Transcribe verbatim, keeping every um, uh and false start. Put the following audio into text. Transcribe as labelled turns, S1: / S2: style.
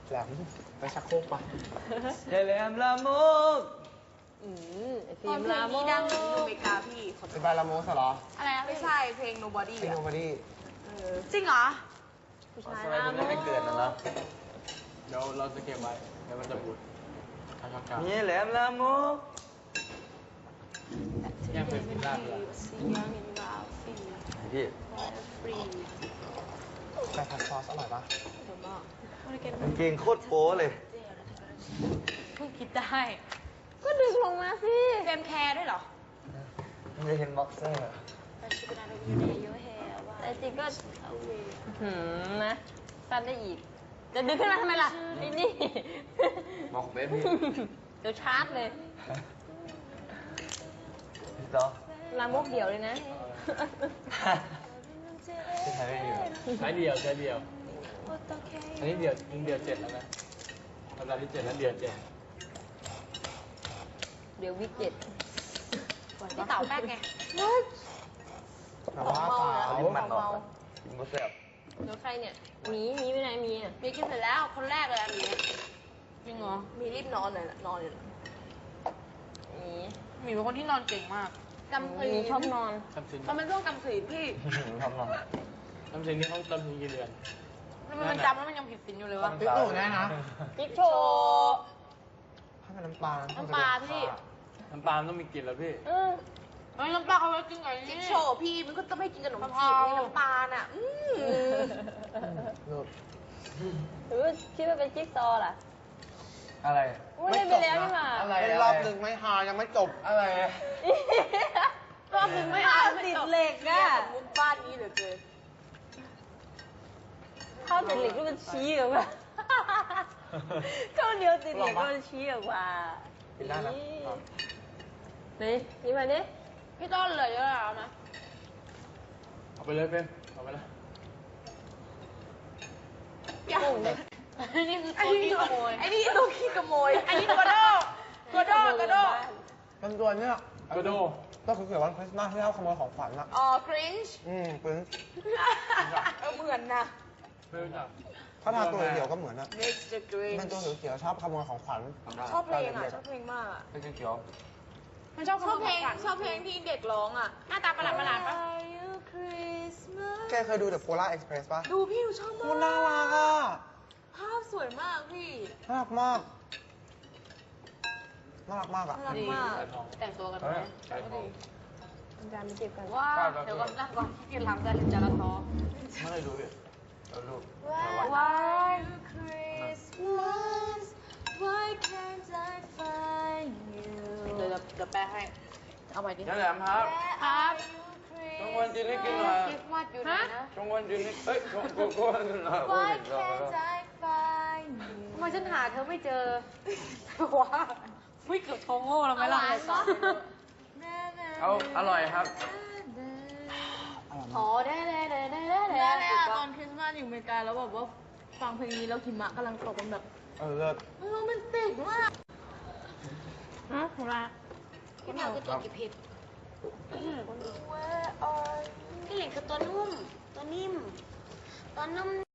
S1: แหลมไปชักโครกปะ
S2: เจแหลมลามก
S3: อืมไอฟิล์มลามก
S4: ดังอยู่อเมริกาพี่
S1: เป็นบาลาโมสเหรอ
S4: อะไรนะไม่ใช่เพลง Nobody
S1: เป็น
S4: อะ
S1: โนบอดี้
S4: จริงเหรอ
S3: ผู้ชาย
S2: สมัย
S3: ลา
S2: คุณ
S3: ม
S2: ยัง
S3: ก
S2: ไม่เกิดนะเนาะ
S5: เดี๋ยวเราจะเก็บไว้เดี๋ยวมันจะบูดทางกลาง
S2: นี่แหลมลามก
S5: ย่างเป็นพิซซ่าเลย
S2: พี่
S1: แต่ผัดซอสอร่อยปะ
S2: กางเกงโคตรโป๊เลย
S4: เพิ่งคิดได้
S3: ก็ดึงลงมาสิ
S4: เฟรมแคร์ด้วยเหรอ
S2: ไม่เห็นบ็อกเซอร์
S3: แต่จริงก็หืมนะสั้นได้อีก จะดึงขึ้นมาทำไมล่ะไอ้นี่
S2: บอกเบบี้
S3: เดี๋ยวชาร์จเลย
S2: พี่ต่อ
S3: ลามกเดี่ยวเลยนะ
S2: ที่ไทยไม่มีหรอ
S5: ใช้เดียวใช้เดียว อันนี้เดียวยิงเดียวเจ็ดแล้วนะสัปดาห์ที่เจ็ดแล้วเดียวเจ็ด
S3: เดี๋ยววิกเจ็ด
S4: พี่เต๋าแป๊กไง
S1: แต่ว่าเปล่า
S2: เอาลิ้นมันออกกินบุษบ
S3: เดี๋ยวใครเนี่ยหมีหมีไปไหนหมีอ่ะ
S4: มีกินเสร็จแล้วคนแรกเลยอันนี้
S3: จริงเหรอ
S4: มีรีบนอนเลยล่ะนอนเลยล่ะ
S3: หมี
S4: มีเป็นคนที่นอนเก่งมากกำ
S3: ห
S4: พรี
S3: มีชอบนอน
S5: ทำซิน
S4: มันเป็นช่วงกำพรีพี่
S2: ทำหน่อย
S5: ทำซินนี่เขาทำซินกี่เดือน
S4: มันมันจำแล้วมันยังผิดศีลอยู่เลยวะ
S1: ติ๊กตู่แน่นะ
S3: จิ๊กโชว์
S1: ถ้าเป็นน้ำปลา
S4: น้ำปลาพี่
S5: น้ำปลามันต้องมีกลิ่นแล้วพี่
S3: เออ
S4: เฮ้ยน้ำปลาเขาไว้กินไงจิ๊กโชว์พี่มันก็ต้องไม่กินกับขนมจีบนี่น้ำปลาน่ะอืม
S1: เลิก
S3: หรือว่าคิดว่าเป็นจิ๊กซอว์ล่ะ
S2: อะไร
S3: ไม่ได้ไปแล้วนี่หว่า
S2: อะไร
S1: เล่นรอบหนึ่งไม่ฮายังไม่จบ
S2: อะไร
S4: รอบหนึ่งไม่เอาไม่
S3: ติด
S4: จบ
S3: เหล็กอะ
S4: มุกบ้านนี้เหลือเกิน
S3: เข้าติดเหล็กก็มันชี้ออกมาเข้าเดียวติดเหล็กก็มันชี้ออกมา
S1: กินได้นะ
S3: นี่นี่มาดิ
S4: พี่ต้นเหลยเยอะแล้วนะ
S5: เอาไปเลยเป็นเอาไปเลย
S3: กุ้งเด็ก
S4: นี่คือตัวขี้ขโมยไอ้นี่ตัวขี้ขโมยไอ้นี่ตัวโดตัวโดตัวโด
S1: มันตัวเนี้ย
S5: กระโด
S1: ก็คือเกี่ยวกับวันคริสต์มาสที่เราขโมยของขวัญอะ
S4: อ๋อครินช์
S1: อืมปึ้ง
S4: เออเหมือนนะ
S5: ไม่รู้จัก
S1: ถ้าทาตัวเขียวก็เหมือนอะ
S4: มิกซ์เดอะกรีน
S1: มันตัวเขียวๆชอบขโมยของขวัญ
S4: ชอบเพลงอ่ะชอบเพลงมากอ่ะ
S2: เป็นเขียว
S4: มันชอบชอบเพลงชอบเพลงที่เด็กร้องอ่ะหน้าตาประหลาดประหลาดปะ
S1: แกเคยดู The Polar Express ป่ะ
S4: ดูพี่ดูชอบ
S1: โค
S4: มาก
S1: ตรน่ารักอะ
S4: ภาพสวยมากพี่
S1: น่ารักมาก น่ารักมากอะ
S4: น่ารักมาก
S5: สายทอง
S4: แต่งตัวกัน
S2: เฮ้
S4: ไหม
S2: ย
S5: สายทอง
S3: จานไปเก็บกัน
S4: ว้าเดี๋ยวก่อนนะก่อนที่กินหลังจะจะละท้อ
S2: ไม่ได้ดูพี่เราดู
S4: Why Christmas Why can't I find you เดี๋ยวเดี๋ยวแปลให้ เอาใหม่ดิ
S2: นั่นแหละครับ
S4: ครับ
S2: จงวันจีนให้กินหน่อย
S4: คริสต์มาสอยู่ไหนนะ
S2: จงวันจีนให้เอ้ยจงโกโก้หน่อยโอ้
S4: Why
S2: ยรอ
S4: can't
S2: แล้ว
S4: I find you ทำไมฉันหาเธอไม่เจอว่าไม่เกือบโชว์โง่แล้วไหมล่ะ
S2: เอาอร่อยครับ
S4: อ๋อได้ได้ได้ได้ได้
S6: แม่เลยอะต
S4: ต
S6: อ
S4: อน
S6: นคริสต์มาสอยู่อเมริกาแล้วแบบว่าฟังเพลงนี้แล้วหิมะกำลังตกมันแบบ
S1: เออเลิศ
S6: โรแมนติกมาก
S3: ฮะของเรา
S4: พี่เหมียวคือตัวกี่ผิดพี่หลิงคือตัวนุ่ม ตัวนิ่ม ตัวนุ่ม